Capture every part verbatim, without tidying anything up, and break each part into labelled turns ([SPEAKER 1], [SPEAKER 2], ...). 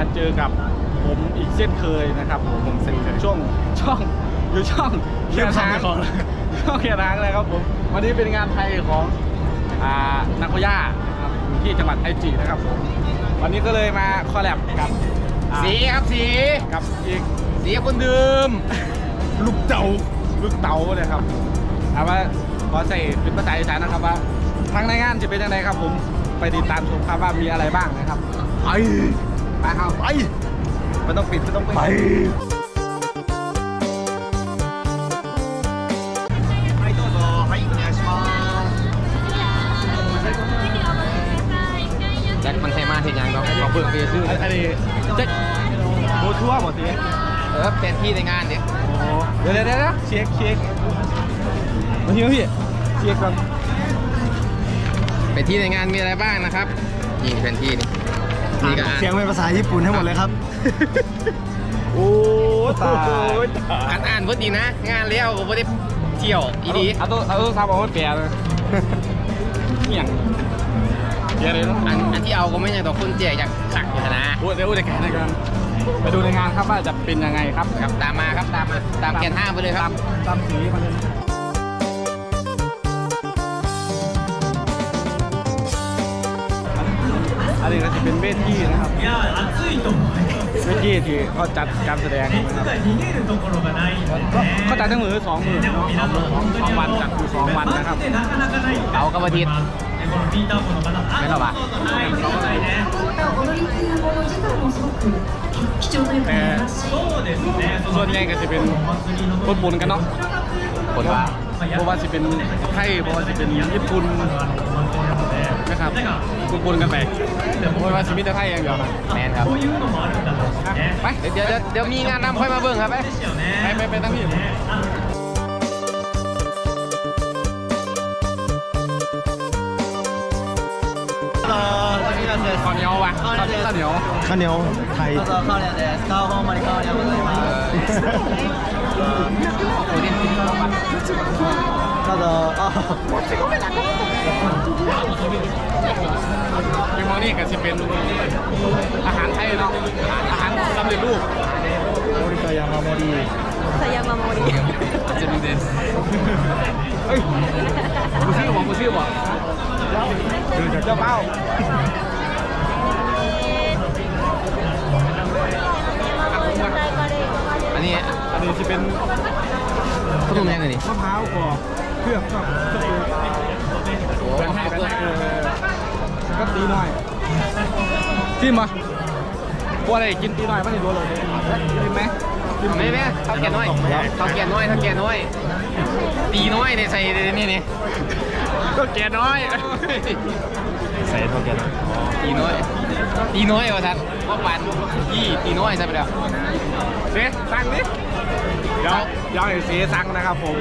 [SPEAKER 1] เจอกับผมอีกเช่นเคยนะครับผมเช่นเคยช่วงช่องอยู่ช่องเขียนทางช่องเขียนทางเลยครับผมวันนี้เป็นงานไทยของอ่านักพยาครับอยู่ที่จังหวัดไอจินะครับผมวันนี้ก็เลยมาคอลแลบกับ
[SPEAKER 2] สีครับสี
[SPEAKER 1] กับอีก
[SPEAKER 2] สีคนเดิม
[SPEAKER 1] ลูกเต๋าลูกเต๋าเลยครับเอาว่าขอใส่เป็นภาษาอีสานนะครับว่าทางในงานจะเป็นยังไงครับผมไปติดตามชมครับว่ามีอะไรบ้างนะครับไปไปครับไปไม่ต้องปิดไม่ต้องปิดไป
[SPEAKER 2] แจ็คมันใช่มาเห็นยังเนาะขอเบิกเบียร์ชื่อ
[SPEAKER 1] อันนี้แจ็คโบทัวร์หมดสิ
[SPEAKER 2] เออเป็นที่ในงานเนี่ย
[SPEAKER 1] โอ้เดี๋ยวเดี๋ยวเดี๋ยวเช็คเช็คมาที่พี่เช็คครับ
[SPEAKER 2] เป็นที่ในงานมีอะไรบ้างนะครับนี่เป็นที่นี่นี่ก็
[SPEAKER 3] เสียงเป็นภาษาญี่ปุ่นให้หมดเลยครับ
[SPEAKER 1] โอ้ตาย
[SPEAKER 2] อ่านอ่านพอดีนะงานเลี้ยวก็ไม่ได้เที่ยวอีดี
[SPEAKER 1] เอาตัวเอาตัวซับเอาไว้แปลเลยเนี่ยเดี๋ยวเลย
[SPEAKER 2] อันอันที่เอาก็ไม่ใช่ตัวคนเจ๊อยากขักอยู่นะ
[SPEAKER 1] พูดเดี๋ยวพูดในการในการไปดูในงานครับว่าจะเป็นยังไงครับ
[SPEAKER 2] ครับตามมาครับตามมาตามแกนห้าไปเลยครับ
[SPEAKER 1] ตามสีมาเลยอันนี้ก็จะเป็นเวทีนะครับเวทีที่เขาจัดการแสดงนะครับเขาจัดทั้งมือสองมือเนาะสองมือสองวันจัดอยู่สองวันนะครับ
[SPEAKER 2] เอากระบะทิศไม่หรอปะ
[SPEAKER 1] แต่ส่วนใหญ่ก็จะเป็นคนปนกันเนาะ
[SPEAKER 2] คนว่า
[SPEAKER 1] เพราะว่าจะเป็นไทยเพราะว่าจะเป็นญี่ปุ่นนะครับคนปนกันไปเพราะว่าจะมีแต่ไทยอย่างเดียว
[SPEAKER 2] แมนครับ
[SPEAKER 1] ไป
[SPEAKER 2] เดี๋ยวเดี๋ยวมีงานนำค่อยมาเบิ่งครับไป
[SPEAKER 1] ไปไปตั้งที่ข้าวเหนียววะข้าวเหนียว
[SPEAKER 3] ข้าวเหนียวไทย
[SPEAKER 1] ข้าวเหนียวเดสข้าวหอมมาริข้าวเหนียวเลยมาข้าวเหนียวอ๋อเป็นมอนี่ก็จะเป็นอาหารไทยเนาะอาหารสำเร็จรูปโมริกายามาโมริ
[SPEAKER 4] สยามาโมริ
[SPEAKER 2] จะมีเดน
[SPEAKER 1] เฮ้ยกูชื่อบอกกูชื่อบอกคือจากเจ้าเป้า
[SPEAKER 2] อันนี้
[SPEAKER 1] อันนี้จะเป็น
[SPEAKER 2] ขนมแดงเลยนี่
[SPEAKER 1] มะพร้าวกรอบเครื่องก็ก็คือแบ่งให้แบ่งให้ก็ตีหน่อยจิ้มปะพวกอะไรกินตีหน่อยไม่ได้ดูเลยกินไหม
[SPEAKER 2] ไม่ไหมเท่าแก่น้อยเท่าแก่น้อยเท่าแก่น้อยตีน้อยในใส่นี่นี่
[SPEAKER 1] ก็แก่น้อย
[SPEAKER 2] ใส่เท่าแก่น้อยตีน้อยตีน้อยวะท่านว่าปันยี่ตีน้อยใช่ไหมเดี๋ยว
[SPEAKER 1] เสียสั่งดิเดี๋ยวเดี๋ยวเสียสั่งนะครับผม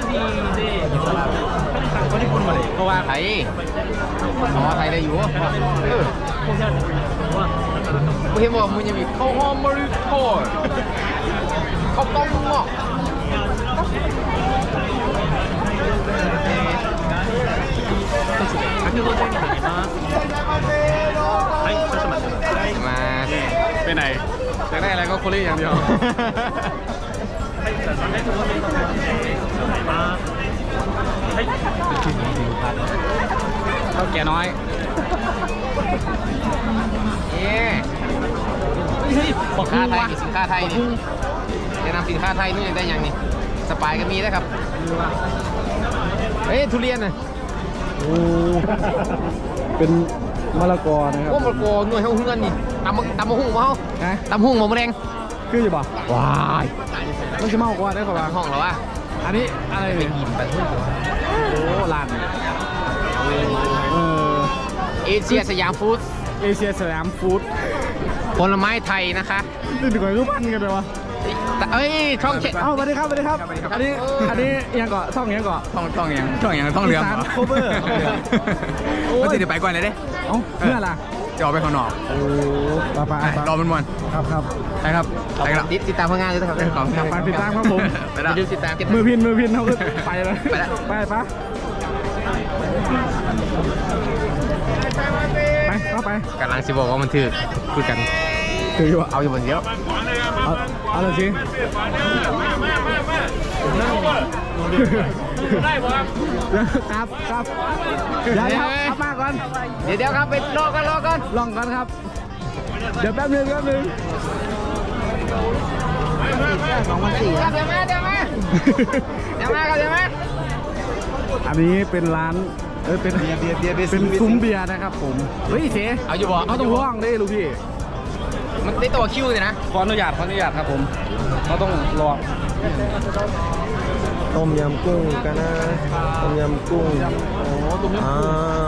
[SPEAKER 1] สั่งคนญี่ปุ่นมาเลยเพราะว่า
[SPEAKER 2] ไทยอ๋อไทยได้อยู่เออไม่เห็นบอกมึงยังมีข้าวหอมมะลิโต้ข้าวต้มหม้อมา
[SPEAKER 1] ไปไหนจะได้อะไรก็โคลี่อย่างเดียวเท่าแก่น้อย
[SPEAKER 2] นี่สินค้าไทยสินค้าไทยนี่แนะนำสินค้าไทยนู่นยังได้ยังนี่สปายก็มีนะครับเฮ้ยทุเรียนน่ะ
[SPEAKER 1] โอ้เป็นมะละกอนะครับ
[SPEAKER 2] โอ้มะละกอหน่วยเฮาเฮือนนี่ตำตำมะฮุ่งมาเฮาตำหุ่งหมูแดง
[SPEAKER 1] คืออยู่ป่ะ
[SPEAKER 2] ว้าย
[SPEAKER 1] มันจะเมากว่าได้ป่ะ
[SPEAKER 2] ห้องเหรอวะ
[SPEAKER 1] อันนี้อะไร
[SPEAKER 2] เป็นหินไปทุ่ง
[SPEAKER 1] โอ้ลาน
[SPEAKER 2] เอเชียสยามฟู้ด
[SPEAKER 1] เอเชียสยามฟู้ด
[SPEAKER 2] ผลไม้ไทยนะคะ
[SPEAKER 1] นี่ถึงกับรูปปั้นกันเลยวะ
[SPEAKER 2] เอ้ยช่องเช็ด
[SPEAKER 1] เอ้าสวัสดีครับสวัสดีครับอันนี้อันนี้ยังเกาะช่องยังเกาะ
[SPEAKER 2] ช่องช่องยังช่องยังช่องเรือ
[SPEAKER 1] โคเวอร์
[SPEAKER 2] ก็จะเดี๋ยวไปก่อนเลยเด้
[SPEAKER 1] เอ้าเพื่ออะไร
[SPEAKER 2] จะออกไปข้างนอก
[SPEAKER 1] โอ้ปะปะ
[SPEAKER 2] รอมันมัน
[SPEAKER 1] ครับครับ
[SPEAKER 2] ไปครับไปครับติดตามผลงานด้วยครับ
[SPEAKER 1] ขอบคุณครับไปติดตามครับผม
[SPEAKER 2] ไปแล้วติดตาม
[SPEAKER 1] มือพินมือพินเขาไปเลย
[SPEAKER 2] ไปแล้ว
[SPEAKER 1] ไปปะไปเข้าไป
[SPEAKER 2] กำลังสิบอกว่ามันถือคุยกัน
[SPEAKER 3] คืออยู่
[SPEAKER 2] เอาอยู่บนเดียว
[SPEAKER 3] เอาเอาเลยสิ
[SPEAKER 1] ครับครับเดี๋ยวครับครับมาก่อน
[SPEAKER 2] เดี๋ยวเดี๋ยวครับไปรอกันรอกัน
[SPEAKER 1] ลองก่อนครับ เดี๋ยวแป๊บนึงแป๊บนึง
[SPEAKER 2] สองพันสี่ครับเดี๋ยวมาเดี๋ยวมาเดี๋ยวมาครับเดี๋ยวมา
[SPEAKER 1] อันนี้เป็นร้านเออเป็น
[SPEAKER 3] เบียร์เบียร์เบียร์เบียร์
[SPEAKER 1] เป็นซุ้มเบียร์นะครับผมเฮ้ยเส
[SPEAKER 2] เอาอยู่บ่
[SPEAKER 1] เขาต้องว่างได้ลูกพี่
[SPEAKER 2] มันได้ตัวคิวเลยนะ
[SPEAKER 1] ขออนุญาตขออนุญาตครับผมเขาต้องรอ
[SPEAKER 3] ต้มยำกุ้งกันนะต้มยำกุ้ง
[SPEAKER 1] โอ้ตรงนี้
[SPEAKER 3] อ่า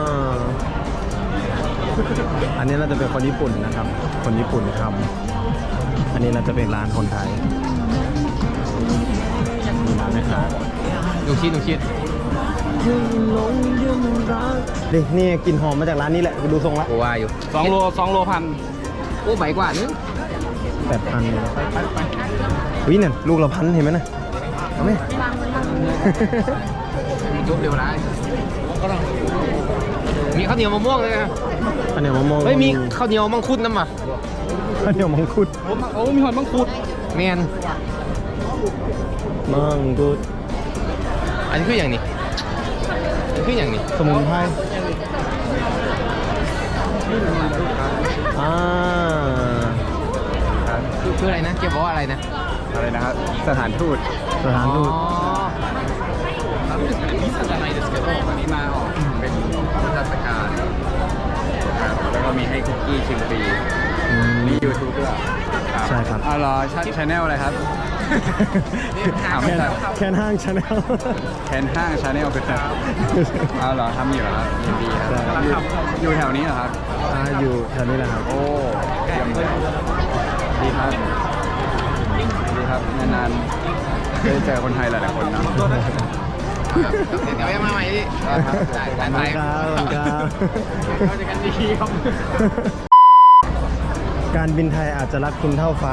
[SPEAKER 3] อันนี้น่าจะเป็นคนญี่ปุ่นนะครับ คนญี่ปุ่นทำอันนี้น่าจะเป็นร้านคนไทยมีร้านไหมครับ
[SPEAKER 2] ดูคิดดูคิด
[SPEAKER 3] นี่นี่กลิ่นหอมมาจากร้านนี้แหละดูทรงละ
[SPEAKER 2] กูว่าอยู่
[SPEAKER 1] สองโลสองโลพัน
[SPEAKER 2] โอ้ใบกว่านึง
[SPEAKER 3] แปดพันวิ่งเนี่ยลูกละพันเห็นไหมนะเอาไหม
[SPEAKER 2] ยุบเร็วร้ายมีข้าวเหนียวมะม่วงเลยนะ
[SPEAKER 3] ข้าวเหนียวมะม่วง
[SPEAKER 2] เฮ้ยมีข้าวเหนียวมังคุดน้ำอ่ะ
[SPEAKER 3] ข้าวเหนียวมังคุด
[SPEAKER 1] โอ้โอ้มีหอยมังคุด
[SPEAKER 2] แมน
[SPEAKER 3] มังคุด
[SPEAKER 2] อันนี้คืออย่างนี้อันนี้คืออย่างนี้
[SPEAKER 3] สมุนไพรอ่า
[SPEAKER 2] คือคืออะไรนะเกี่ยวกับว่าอะไรนะ
[SPEAKER 1] อะไรนะครับสถานทูต
[SPEAKER 3] สถานทูต
[SPEAKER 2] มีสัญลักษณ์ですけど
[SPEAKER 1] วันนี้มาออกเป็นเทศกาลครับแล้วก็มีให้คุกกี้ชิมฟรี
[SPEAKER 3] อืม
[SPEAKER 1] มียูทูบด้วย
[SPEAKER 3] ใช่ครับ
[SPEAKER 1] อ๋อเหรอชาแนลอะไรครับ ถามไม่
[SPEAKER 3] แค่
[SPEAKER 1] ได้
[SPEAKER 3] แค่ห้างชาแนล
[SPEAKER 1] แคนห้างชาแนลเป็นครับอ๋อเหรอทำอยู่เหรอครับยินดีครับ
[SPEAKER 3] ใช่
[SPEAKER 1] อยู่อยู่แถวนี้เหรอครับ
[SPEAKER 3] อ่าอยู่แถวนี้แหละครับ
[SPEAKER 1] โอ้เยี่ยมเลยดีครับดีครับนานๆได้เจอคนไทยหลายๆคนเนาะ
[SPEAKER 2] เดี๋ยวยังมาใหม่ดิ
[SPEAKER 1] ครับ
[SPEAKER 2] ได้
[SPEAKER 3] ขอบ
[SPEAKER 2] ได้
[SPEAKER 3] คุณครับขอบคุณครับ
[SPEAKER 2] เข้าใจกันดีครับ
[SPEAKER 3] การบินไทยอาจจะรักคุณเท่าฟ้า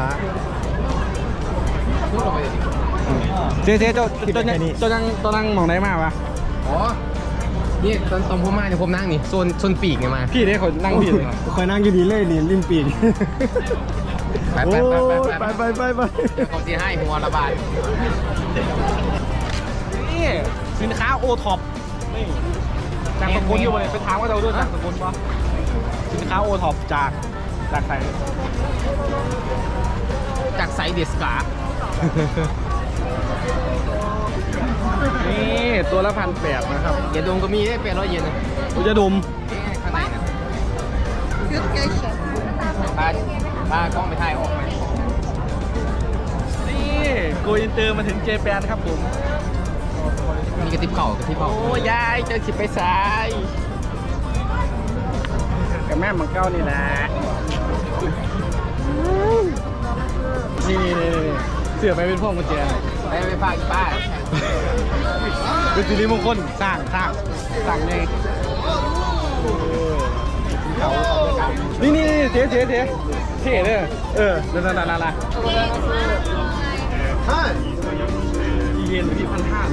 [SPEAKER 2] พูดออกไปดิ
[SPEAKER 1] เจ๊เจ๊เจ้า
[SPEAKER 3] คิด
[SPEAKER 1] เจ้า
[SPEAKER 3] แค่นี้
[SPEAKER 1] เจ้านั่งเจ้านั่งมองได้มากปะ
[SPEAKER 2] อ๋อนี่ตอนตอนผมมาเนี่ยผมนั่งนี่โซนโซนปีกไงมา
[SPEAKER 1] พี่ได้คนนั่งพี่เลย
[SPEAKER 3] คอยนั่งอยู่ดีเลยนี่ริมปีก
[SPEAKER 2] ไป
[SPEAKER 3] โอ้
[SPEAKER 2] ไป
[SPEAKER 3] ย
[SPEAKER 2] ไปไป
[SPEAKER 3] ไปไปไปไป
[SPEAKER 2] เดี๋ยวเขาจะให้หัวระบาด
[SPEAKER 1] นี่สินค้าโอท็อปนี่จากสกุลอยู่เลยไปถามว่าเราด้วยจากสกุลปะสินค้าโอท็อปจากจากใคร
[SPEAKER 2] จากไซเดสกา
[SPEAKER 1] นี่ตัวละพันแปดนะครับ
[SPEAKER 2] อย่าดมก็มีได้เป็นร้อยเยนนะ
[SPEAKER 1] อุจดม
[SPEAKER 2] ข้างในนะปลาปลากล้องไปถ่ายออกไหม
[SPEAKER 1] นี่โกอินเตอร์มาถึงเจแปนครับผม
[SPEAKER 2] มีกระติบเข่ากระติบเข่า
[SPEAKER 1] โอ้ยายเจอสิไปสายกับแม่มังเก้านี่นะนี่นี่นี่เสือไปเป็นพวกกุญแจ
[SPEAKER 2] ไปไปฝากป้า
[SPEAKER 1] เป็นสิริมงคลสร้างสร้างสร้างในเขานี่นี่นี่เจ๊เจ๊เจ๊เท่เลยเออนั่นนั่นนั่นนั่นเย็นที่พันห้า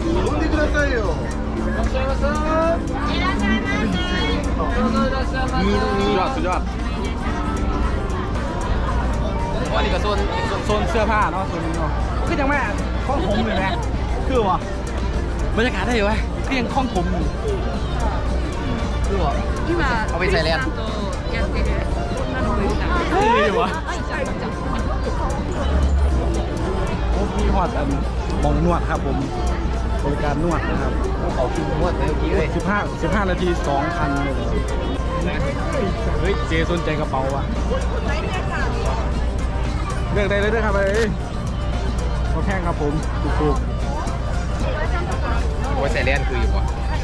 [SPEAKER 1] สุดยอดสุดยอด
[SPEAKER 2] วันนี้ก็โซน
[SPEAKER 1] โซนเสื้อผ้าเนาะโซนนี้เนาะคือยังแม่คล้องผมเลยไหมคือวะบรรยากาศได้อยู่ไหมก็ยังคล้องผมอยู่
[SPEAKER 2] คือว่าเอาไปใส่แล้ว
[SPEAKER 1] คืออยู่วะโอ้มีฮอตอันมองนวดครับผมบริการนวดนะครับ
[SPEAKER 2] เขาคิวหมดเลยเมื่อกี้เลย
[SPEAKER 1] สิบห้าสิบห้านาทีสองพันเลยเฮ้ยเจสนใจกระเป๋าว่ะเลือกได้เลยด้วยครับเอ้ยเขาแพงครับผมถูก
[SPEAKER 2] เอาไปใส่แล้วคืออยู่ว่ะ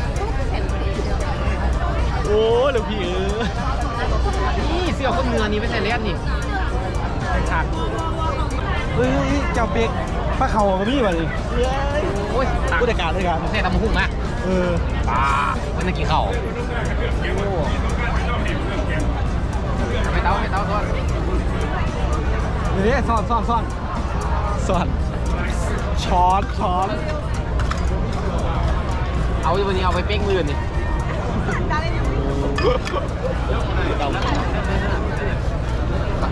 [SPEAKER 1] ๆโอ้เดี๋ยวพี่เออ
[SPEAKER 2] นี่เสื้อคนเนื้อนี่ไปใส่แล้วนี่
[SPEAKER 1] ฉากเฮ้ยเจ้าเปียกป้าเขากับพี่มาดิ
[SPEAKER 2] โอ้ยตัก
[SPEAKER 1] ผู้จัดการด้วยกัน
[SPEAKER 2] ใส่ตำมะหุ่งอะ
[SPEAKER 1] เออ
[SPEAKER 2] ปลาเป็นนักกินข้าวไปเต้าไปเต้าทอด
[SPEAKER 1] เดี๋ยวซ่อนซ่อนซ่อนซ่อนช้อนช้อน
[SPEAKER 2] เอาวันนี้เอาไปเป้งมือนี่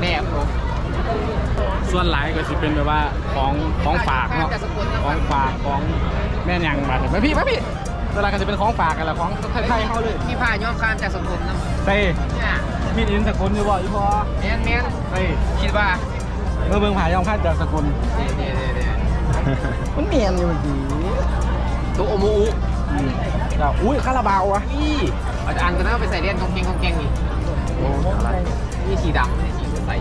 [SPEAKER 2] แม่ผม
[SPEAKER 1] ส่วนหลายก็จะเป็นแบบว่าของของฝากเนาะของฝากของแม่นยังมาถึงไหมพี่ไหมพี่เวลาก็จะเป็นของฝากกันแหละของไทยๆเขาเลย
[SPEAKER 2] พี่พายย้อมข้ามจากสกุลนะ
[SPEAKER 1] เต้
[SPEAKER 2] เนี่ย
[SPEAKER 1] มีดอินสกุลอยู่บ่อีพอ
[SPEAKER 2] แมนแมน
[SPEAKER 1] เต้
[SPEAKER 2] คิดว่า
[SPEAKER 1] เมื่อเบิ่งผายอมคาดจากสกุล
[SPEAKER 2] เดี๋ยวเดี๋ยวเดี๋ยว
[SPEAKER 1] มันเมียนอยู่เมื่อกี้
[SPEAKER 2] ตัวโอมู
[SPEAKER 1] จ้าอุ้ยคาราบาวะ
[SPEAKER 2] นี่อาจารย์ก็น่าไปใส่เลียนกองเกงกองเกงนี่โอ้อะไรนี่สีดำนี่สีใส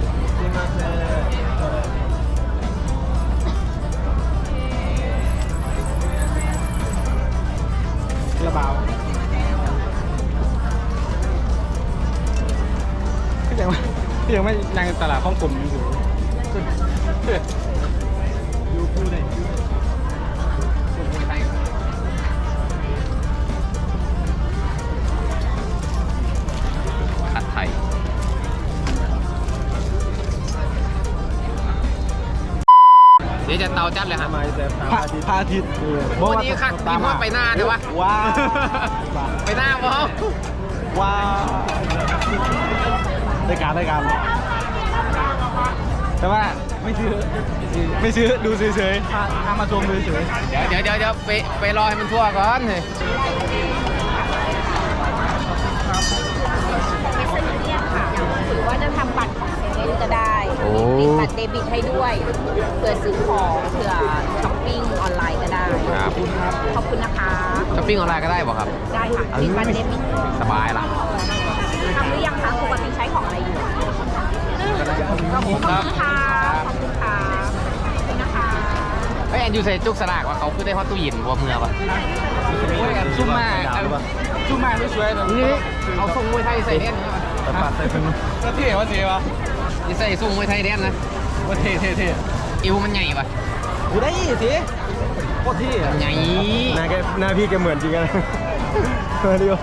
[SPEAKER 1] คาราบาวพี่ยังไม่พี่ยังไม่ยังตลาดข้องกลมอยู่ยูพูดเลย
[SPEAKER 2] ผัดไทยเดี๋ยวจะเตาจัดเลยฮะ
[SPEAKER 3] ทำไมแต่ตา
[SPEAKER 1] พระ
[SPEAKER 3] อาทิตย์
[SPEAKER 1] พระอาทิตย์
[SPEAKER 2] วันนี้ค่ะมีพ่อไปหน้าเลยวะ
[SPEAKER 1] ว้าว
[SPEAKER 2] ไปหน้าพ่อ
[SPEAKER 1] ว้าวได้การได้การแต่ว่าไม่ซื้อไม่ซื้อดูเฉยๆพาพามาชมดูเฉย
[SPEAKER 2] เดี๋ยวเดี๋ยวเดี๋ยวไปไปรอให้มันทั่วก่อนเลย
[SPEAKER 4] หรือว่าจะทำบัตรของเซเว่นก็ได้ติดบัตรเดบิตให้ด้วยเผื่อซื้อของเผื่อช้อปปิ้งออนไลน์ก็ได้
[SPEAKER 2] ครับ
[SPEAKER 4] ขอบคุณนะคะ
[SPEAKER 2] ช้อปปิ้งออนไลน์ก็ได้ป่ะครับ
[SPEAKER 4] ได้ค่ะติดบัตรเดบิต
[SPEAKER 2] สบายละ
[SPEAKER 4] ทำหรือยังคะปกติใช้ของอะไรอยู่ขอบคุณค่ะขอบคุณค่ะขอบคุณนะคะ
[SPEAKER 2] เฮ้ยแอนยูใส่จุกสลากว่าเขาคือได้ฮอตตู้เย็นบัวเมือป่ะ
[SPEAKER 1] ๆโอ้ยอันซุ่มมาอันซุ่มมาไม่สวยนะ
[SPEAKER 2] นี่เอาส่งมวยไทยใส่เด่น
[SPEAKER 3] แต่ปาดใส่พึ่ง
[SPEAKER 1] ก็เท่ว่าเท่วะ
[SPEAKER 2] นี่ใส่ส่งมวยไทยเด่นนะ
[SPEAKER 1] ว่าเท่เท่เท่
[SPEAKER 2] อิวมันใหญ่ป่ะ
[SPEAKER 1] กูได้ยี่สิโคตรเท่อะ
[SPEAKER 2] ใหญ่
[SPEAKER 3] หน้าแกหน้าพี่แกเหมือนจริงกันมาดิโอ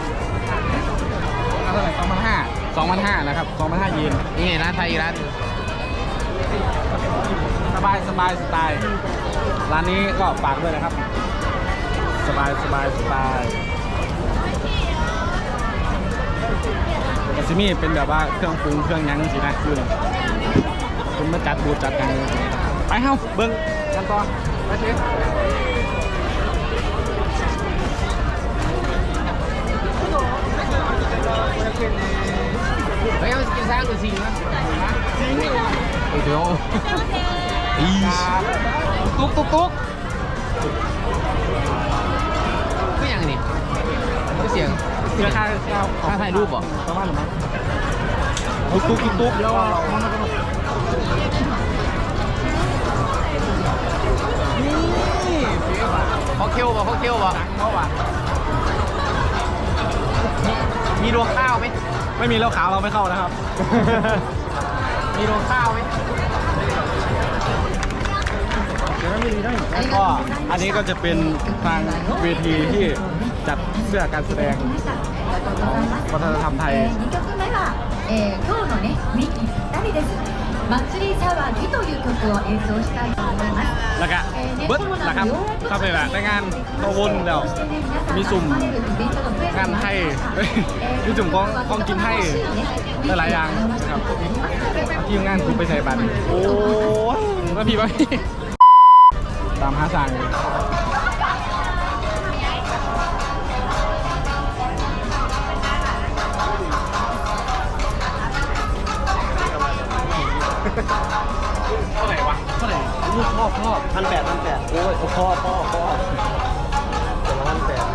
[SPEAKER 1] เอาเท่าไหร่สองพันห้าสองพันห้านะครับสองพันห้าเยน
[SPEAKER 2] นี่ไงร้านไทยร้าน
[SPEAKER 1] สบายสบายสไตล์ร้านนี้ก็ฝากด้วยนะครับ สบายสบายสไตล์แต่ซิมี่เป็นแบบว่าเครื่องปรุงเครื่องยั้งสินะคือคุณมาจัดบูธจัดกันไปเฮ้าเบิ้งกันต่อไปเชฟ
[SPEAKER 2] เฮ้ยเอากินซ่างหรือสิงนะสิงโอ้โหอีตุ๊กตุ๊กตุ๊กคืออย่างนี้คือเสียง
[SPEAKER 1] เสื้อค่า
[SPEAKER 2] ค่าถ่ายรูปเหรอ
[SPEAKER 1] ประมาณหรือมั้งตุ๊กตุ๊กตุ๊กตุ๊กแล้วนี่เฟี้ยวอ่ะ
[SPEAKER 2] พอเคี้ยวป่ะพอเคี้ยวป่ะ
[SPEAKER 1] เมื่อวาน
[SPEAKER 2] มีรวงข้าวไหม
[SPEAKER 1] ไม่มีแล้วขาวเราไม่เข้านะครับ
[SPEAKER 2] มีรวงข้าวไหม
[SPEAKER 1] ก็อันนี้ก็จะเป็นทางเวทีที่จัดเสื้อการแสดงของวัฒนธรรมไทย
[SPEAKER 5] にきょくめは、えー今日のねミキふたりです祭り騒ぎという曲を演奏したいと思います
[SPEAKER 1] แล้วก็เบิร์ดนะครับเข้าไปแบบในงานโตวนแล้วมีสุ่มงานไทยเอ้ยมีสุ่มของของกินไทยหลายๆอย่างนะครับทีมงานกูไปใส่บัตรโอ้ยมาพี่มาพี่ตามหาสั่งเท่าไหร่วะเท่าไหร่ลูกพ่อพ่อ
[SPEAKER 3] พันแปดพันแปดโอ้ยพ่อพ่อพ่อแต่ละพันแปด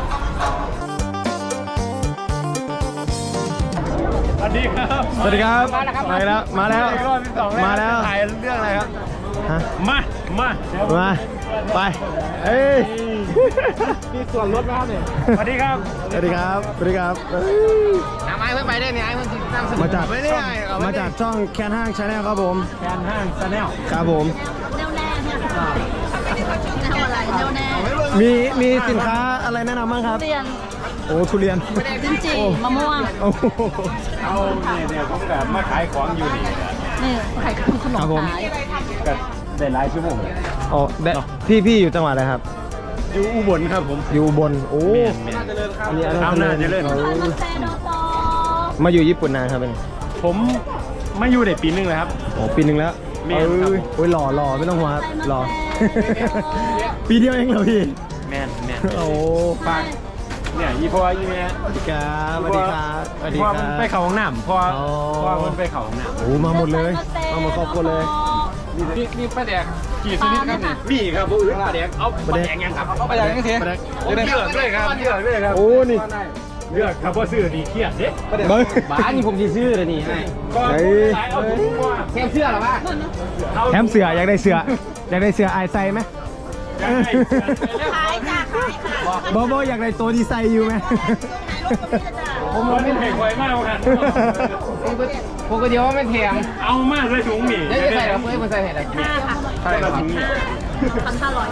[SPEAKER 1] สวัสดีครับ
[SPEAKER 3] สวัสดีครับมาแล้วมาแล้ว
[SPEAKER 1] รอบที่สอง
[SPEAKER 3] มาแล้ว
[SPEAKER 1] ถ่ายเรื่องอะไรครับ
[SPEAKER 3] ฮะ
[SPEAKER 1] มา มา
[SPEAKER 3] มาไปเอ้ย
[SPEAKER 1] มีส่วนลดไหมครับเนี่ยสวัสดีครับ
[SPEAKER 3] สวัสดีครับสวัสดีครับเอ้ย
[SPEAKER 2] น้ำไอ้เพิ่งไปได้เนี่ยไอ้เพิ่งติดตามสนุ
[SPEAKER 3] มาจาก
[SPEAKER 1] ไม่ได้
[SPEAKER 3] ช่อง
[SPEAKER 1] เอาไม่ได้
[SPEAKER 3] มาจากช่องแคนห้างชาแนลครับผม
[SPEAKER 1] แฟนห้างชาแนล
[SPEAKER 3] ครับผม
[SPEAKER 4] แนวแน่เนี่ยแนวอะไรแนวแน่
[SPEAKER 3] มีมีสินค้าอะไรแนะนำบ้างครับ
[SPEAKER 4] เรียน
[SPEAKER 3] โอ้ทุเรียน
[SPEAKER 4] ลิ้นจี่มะม่วง
[SPEAKER 3] โอ้โห
[SPEAKER 1] เอาเนี่ยเนี่ยผมแบบมาขายของอยู่นี่
[SPEAKER 4] นี่ไข่ขนม
[SPEAKER 3] ครับผม
[SPEAKER 4] ขาย
[SPEAKER 1] ก็ได้หลายชั่วโมง
[SPEAKER 3] อ๋อได้พี่พี่อยู่จังหวัดอะไรครับ
[SPEAKER 1] อยู่อุบลครับผม
[SPEAKER 3] อยู่อุบลโอ้
[SPEAKER 1] น่าจะเลิศครับ
[SPEAKER 3] อันนี้อันนั้น
[SPEAKER 1] น่าจะเลิศ
[SPEAKER 3] โอ้
[SPEAKER 4] มันเซโดโต
[SPEAKER 3] มาอยู่ญี่ปุ่นนานครับเป็น
[SPEAKER 1] ผมมาอยู่ได้ปีนึงเลยครับ
[SPEAKER 3] โอ้ปีหนึ่งแล้ว
[SPEAKER 1] แม่
[SPEAKER 3] เอ้
[SPEAKER 1] นครับ
[SPEAKER 3] ยโอ้ยหล่อหล่อไม่ต้องห่วงครับหล่อ ปีเดียวเองเหรอพี่
[SPEAKER 1] แม่นแม่น
[SPEAKER 3] โอ้
[SPEAKER 1] ฝากเนี่ยอีพ่ออีแม่
[SPEAKER 3] สวัสดีครับสวัสดีครับสวัสดี
[SPEAKER 1] พ่อ
[SPEAKER 3] ค
[SPEAKER 1] มัน
[SPEAKER 3] รับ
[SPEAKER 1] ไปเขาห้องน้ำพ่อ
[SPEAKER 3] อ๋อ
[SPEAKER 1] พ่อมันไปเขาห้องน้ำ
[SPEAKER 3] โอ้มาหมดเลยมาหมดครอบครัวเลย
[SPEAKER 1] นี่นี่ป้าแดกกี่ชนิดครับนี่มีครับผู้อื่นป้าแดกเอาป้าแดกยังครับเอาป้าแดกยังเสีย
[SPEAKER 3] ปลาแดก
[SPEAKER 1] เลือกด้วยครับเลือกด้วยครับ
[SPEAKER 3] โอ้นี่
[SPEAKER 1] เลือกครับว่าซื้อดีเครียดเด้
[SPEAKER 3] เบิ้ง
[SPEAKER 2] บ้านนี่ผมจะซื้อเลยนี่ให้
[SPEAKER 1] ก็
[SPEAKER 3] เฮ้ย
[SPEAKER 1] ขายเอาถุงว่า
[SPEAKER 2] แค่เสื้อหรอวะ
[SPEAKER 3] แถมเสืออยากได้เสืออยากได้เสือไอายไซไหม
[SPEAKER 1] ยังไง
[SPEAKER 4] ขายจ้าขายค่ะ
[SPEAKER 3] บอบออยากได้ตัวดีไซน์อยู่ไหม
[SPEAKER 1] ผมว่าไม่เห็นไวมากครับ
[SPEAKER 2] พวกก็เดียวว่าไม่แถม
[SPEAKER 1] เอามากเลยถุงหมี่
[SPEAKER 2] เดี๋ยวจะใส่เราเพื่อมันใส่เห็ดอะไร
[SPEAKER 4] ห้าค่ะ
[SPEAKER 1] ใช่ครับถุงหมี่
[SPEAKER 4] พันห้าร้อย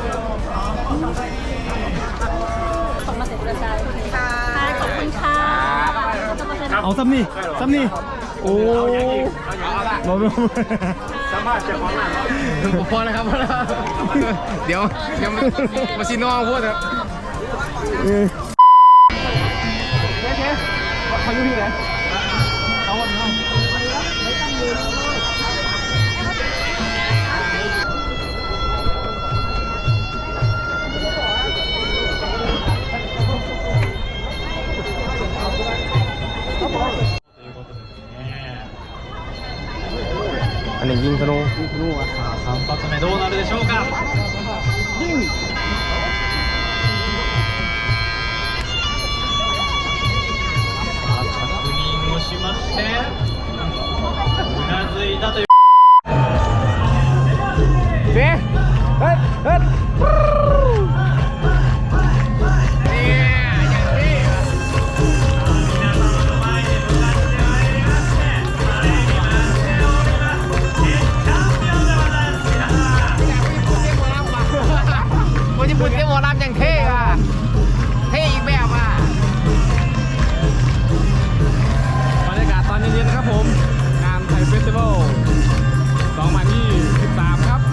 [SPEAKER 4] ส่งมาเสร็จกระจายค่ะขอบคุณค่ะ
[SPEAKER 3] เอาซ้ำนี่ซ้ำนี่โอ้
[SPEAKER 1] เอาอย่างอีกเอาอย่างเอาละ
[SPEAKER 3] บอบอ
[SPEAKER 1] สามารถจะของหนัง
[SPEAKER 2] พอแล้วครับพอแล้วเดี๋ยวเดี๋ยวมาซีนองพูดครับ
[SPEAKER 3] เออ
[SPEAKER 2] เขาอยู่ที่ไหน
[SPEAKER 3] อันนี้ยิงธนู
[SPEAKER 1] สาม発目どうなるでしょうかยิง確認をしましてうなずいたという
[SPEAKER 3] เฮ้ยเฮ้ยเฮ้ย
[SPEAKER 2] คนญี่ปุ่นเรียกวอลลัมอย่างเท่ว่ะเท่อีกแบบอ่ะ
[SPEAKER 1] บรรยากาศตอนเย็นๆครับผม งานไทยเฟสติวัลสองพันยี่สิบสามครับ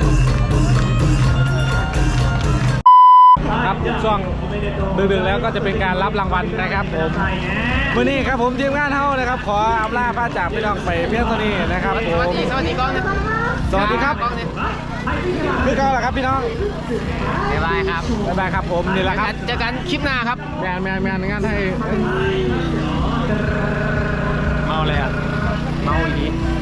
[SPEAKER 1] ครับช่วงดึกๆแล้วก็จะเป็นการรับรางวัลนะครับผมวันนี้ครับผมทีมงานเท่านะครับ ขออำลาพระจากพี่น้องไปเพียงเท่านี้นะครับผ
[SPEAKER 2] สวัส
[SPEAKER 1] ม
[SPEAKER 2] ดีสวัสดีกล้องนะ
[SPEAKER 1] สวัสดีครับ
[SPEAKER 2] กล้องเนี่ย
[SPEAKER 1] พี่ก้าวเหรอครับพี่น้อง
[SPEAKER 2] บ๊ายบายครับ
[SPEAKER 1] บ๊ายบายครับผมนี่แหละครับ
[SPEAKER 2] เจอกันคลิปหน้าครับ
[SPEAKER 1] แมนแมนแมนงานไทยเมาเลยอ่ะ
[SPEAKER 2] เมาอีกที